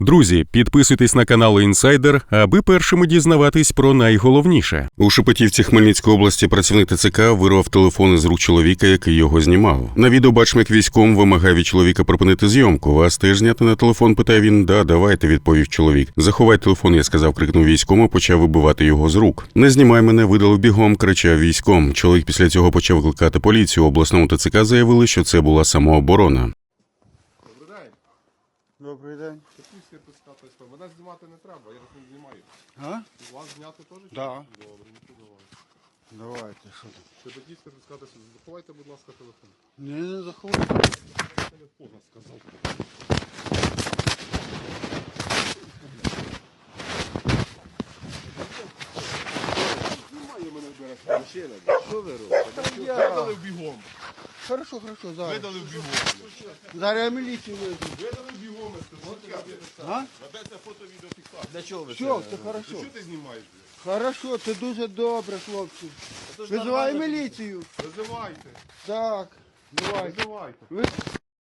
Друзі, підписуйтесь на канал Інсайдер, аби першими дізнаватись про найголовніше. У Шепетівці Хмельницької області працівник ТЦК вирвав телефон із рук чоловіка, який його знімав. На відео бачимо, як військом вимагає від чоловіка припинити зйомку. Вас теж зняти на телефон, питає він. Да, давайте, відповів чоловік. Заховай телефон, я сказав, крикнув військом, і почав вибивати його з рук. Не знімай мене, видалив бігом, кричав військом. Чоловік після цього почав викликати поліцію. У обласному ТЦК заявили, що це була самооборона. Добрий день. Мене знімати не треба, я вас не знімаю. А? Вас зняти теж? Да. Добре, ну то давай. Давайте, що там? Шепетівська сертифікація, заховайте, будь ласка, телефон. Не заховайте. Телефон, сказав. Знімає мене зараз машина. Що ви робите? Видали бігом. Хорошо, зараз. Видали бігом. Зараз я міліцію везу. Видали бігом. А? Ведеться фото-відеофіксація. Для чого ви Все, це хорошо. Що ти знімаєш? Хорошо, це дуже добре, хлопці. Визивай міліцію. Визивайте. Так, давайте. Визивайте. Ви...